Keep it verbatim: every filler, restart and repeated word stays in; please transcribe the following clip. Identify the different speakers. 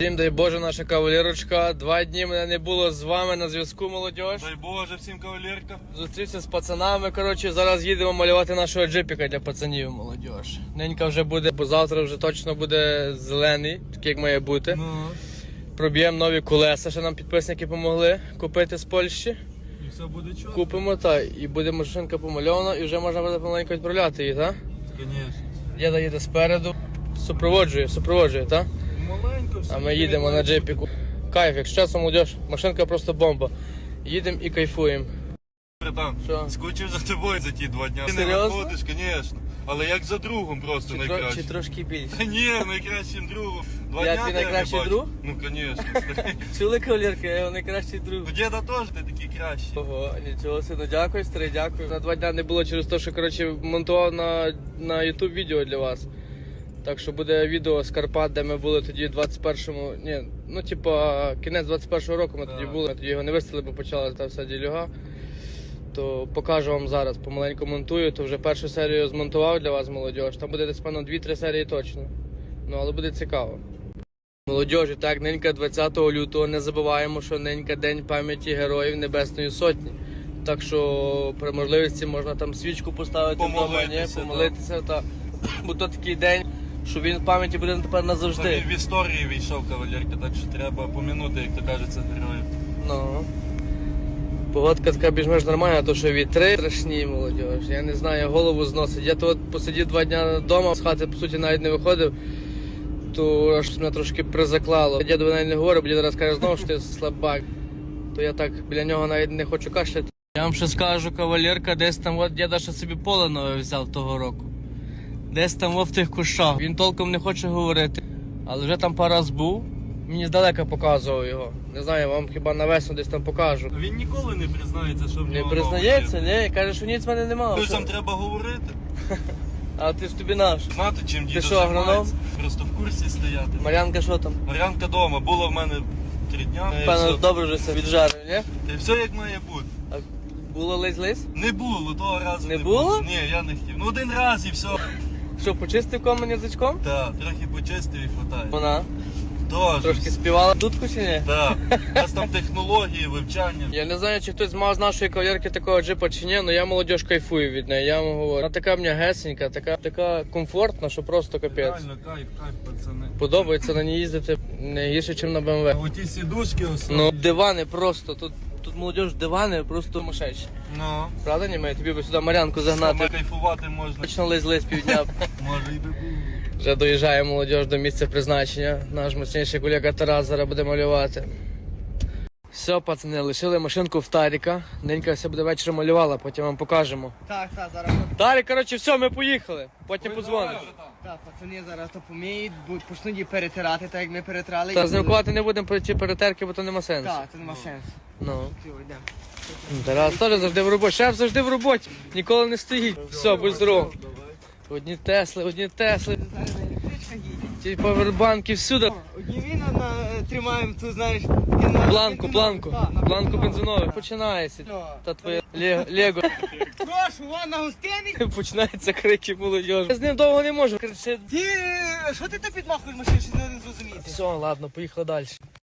Speaker 1: Всім дай Боже, наша кавалерочка. Два дні мене не було з вами на зв'язку, молодіж.
Speaker 2: Дай Боже всім кавалерка.
Speaker 1: Зустрівся з пацанами, коротше, зараз їдемо малювати нашого джипіка для пацанів, молодіж. Ненька вже буде, бо завтра вже точно буде зелений, такий як має бути.
Speaker 2: Ну.
Speaker 1: Проб'ємо нові колеса, що нам підписники допомогли купити з Польщі.
Speaker 2: І все буде чітко.
Speaker 1: Купимо, та і буде машинка помальована, і вже можна буде помаленько відправляти її, так?
Speaker 2: Звісно.
Speaker 1: Діда їде спереду, супроводжує, супроводжує, так?
Speaker 2: Маленько все.
Speaker 1: А ми їдемо на джипіку. Кайф, якщо чесно, молодіж, машинка просто бомба. Їдемо і кайфуємо.
Speaker 2: Братан,
Speaker 1: Що?
Speaker 2: скучив за тобою за ті два дня. Ти не
Speaker 1: Серйозно?
Speaker 2: виходиш, звісно. Але як за другом просто
Speaker 1: Чи, тро,
Speaker 2: найкраще.
Speaker 1: чи трошки більше?
Speaker 2: Та ні, найкращим другом. Два
Speaker 1: Я
Speaker 2: дня
Speaker 1: твій
Speaker 2: тебе
Speaker 1: найкращий
Speaker 2: бачу.
Speaker 1: друг?
Speaker 2: Ну, звісно.
Speaker 1: Чули, кавалерка, я його найкращий друг.
Speaker 2: У діда теж ти такий кращий.
Speaker 1: Ого, нічого сину, дякую, старий, дякую. На два дня не було через те, що, коротше, монтував на, на YouTube відео для вас. Так що буде відео з Карпат, де ми були тоді в двадцять першому, ні, ну типа кінець двадцять першого року ми
Speaker 2: Так.
Speaker 1: тоді були, тоді його не виставили, бо почалася та вся ділюга. То покажу вам зараз, помаленьку монтую, то вже першу серію змонтував для вас, молодіж. Там буде десь, певно, дві-три серії точно. Ну, але буде цікаво. Молодіжі, так, ненька двадцятого лютого, не забуваємо, що ненька День пам'яті Героїв Небесної Сотні. Так що при можливості можна там свічку поставити вдома, ні,
Speaker 2: Помолитися,
Speaker 1: помолитися, та, бо то такий день, що він в пам'яті буде тепер
Speaker 2: Та
Speaker 1: назавжди.
Speaker 2: він в історії війшов кавалерка, так що треба помінути, як то кажеться, героїв.
Speaker 1: Ну. Погодка така більш-менш нормальна, то що вітри страшні, молодіж. Я не знаю, голову зносить. Я то от посидів два дня вдома, з хати, по суті, навіть не виходив, то аж мене трошки призаклало. Діду навіть не говорю, бо дід раз каже знову, що ти слабак. То я так біля нього навіть не хочу кашляти. Я вам ще скажу, кавалерка, десь там от діда ще собі поле нове взяв того року. Десь там в тих кущах. Він толком не хоче говорити, але вже там пару раз був. Мені здалека показував його. Не знаю, вам хіба на весну десь там покажу.
Speaker 2: Він ніколи не признається, що в
Speaker 1: Не
Speaker 2: нього
Speaker 1: признається, ні, каже, що ніц в мене немає.
Speaker 2: Тож там треба говорити.
Speaker 1: А ти ж тобі наш.
Speaker 2: Знати, чим дідо
Speaker 1: що, агроном?
Speaker 2: займається. Просто в курсі стояти.
Speaker 1: Мар'янка що там?
Speaker 2: Мар'янка вдома, була в мене три дня. і
Speaker 1: Певно,
Speaker 2: все.
Speaker 1: добре вже все віджарив, ні?
Speaker 2: Та й все як має бути.
Speaker 1: А було лись-лись?
Speaker 2: Не було, того разу
Speaker 1: Не
Speaker 2: не,
Speaker 1: було?
Speaker 2: Ні, я не хотів. Ну один раз і все.
Speaker 1: Що, почистив комен язичком?
Speaker 2: Так, трохи почистив і хватає.
Speaker 1: Вона
Speaker 2: Тож.
Speaker 1: трошки співала дудку чи ні?
Speaker 2: Так. У нас там технології, вивчання.
Speaker 1: Я не знаю, чи хтось мав з нашої кавалерки такого джипа чи ні, але я молодіж кайфую від неї, я вам говорю. Вона така в мене гесенька, така, така комфортна, що просто капець.
Speaker 2: Реально, кайф, кайф, пацани.
Speaker 1: Подобається на ній їздити не гірше, ніж на
Speaker 2: А
Speaker 1: БМВ.
Speaker 2: оті сідушки основні.
Speaker 1: Ну, дивани просто, тут, тут молодіж дивани просто мишечі.
Speaker 2: Ну.
Speaker 1: Правда, ні, ми тобі би сюди Мар'янку
Speaker 2: Саме
Speaker 1: загнати.
Speaker 2: кайфувати можна.
Speaker 1: Точно лизли з півдня.
Speaker 2: Може і би було.
Speaker 1: Вже доїжджає молодіж до місця призначення. Наш мощніший колега Тарас зараз буде малювати. Все, пацани, лишили машинку в Таріка. Ненька все буде ввечері малювала, потім вам покажемо.
Speaker 3: Так, так, зараз.
Speaker 1: Тарік, коротше, все, ми поїхали. Потім подзвониш.
Speaker 3: Так, пацани зараз то поміють, будуть почнуть її перетирати, так як ми перетирали.
Speaker 1: Та знімкувати не будемо про ці перетерки, бо то нема сенсу.
Speaker 3: Так, це нема сенсу.
Speaker 1: Ну.
Speaker 3: Все, йдемо.
Speaker 1: Тарас теж завжди в роботі. Шеф завжди в роботі. Ніколи не стоїть. Все, будь здоров. Одні Тесли, одні Тесли.
Speaker 3: Зараз на електричках їдемо.
Speaker 1: Ті павербанки всюди.
Speaker 3: Одні віна на, тримаємо, тут знаєш, і на
Speaker 1: Планку,
Speaker 3: бензинову.
Speaker 1: планку.
Speaker 3: Так, на
Speaker 1: Планку
Speaker 3: бензинову.
Speaker 1: бензинову.
Speaker 3: Так.
Speaker 1: Починається.
Speaker 3: Ну.
Speaker 1: Та твоє лего. лего.
Speaker 3: Прошу, вон на гостиниці.
Speaker 1: Починаються крики молодіжі. Я з ним довго не можу. Кричить.
Speaker 3: Ти, що ти то підмахуєш машину, що не зрозуміти?
Speaker 1: Все, ладно, поїхали далі.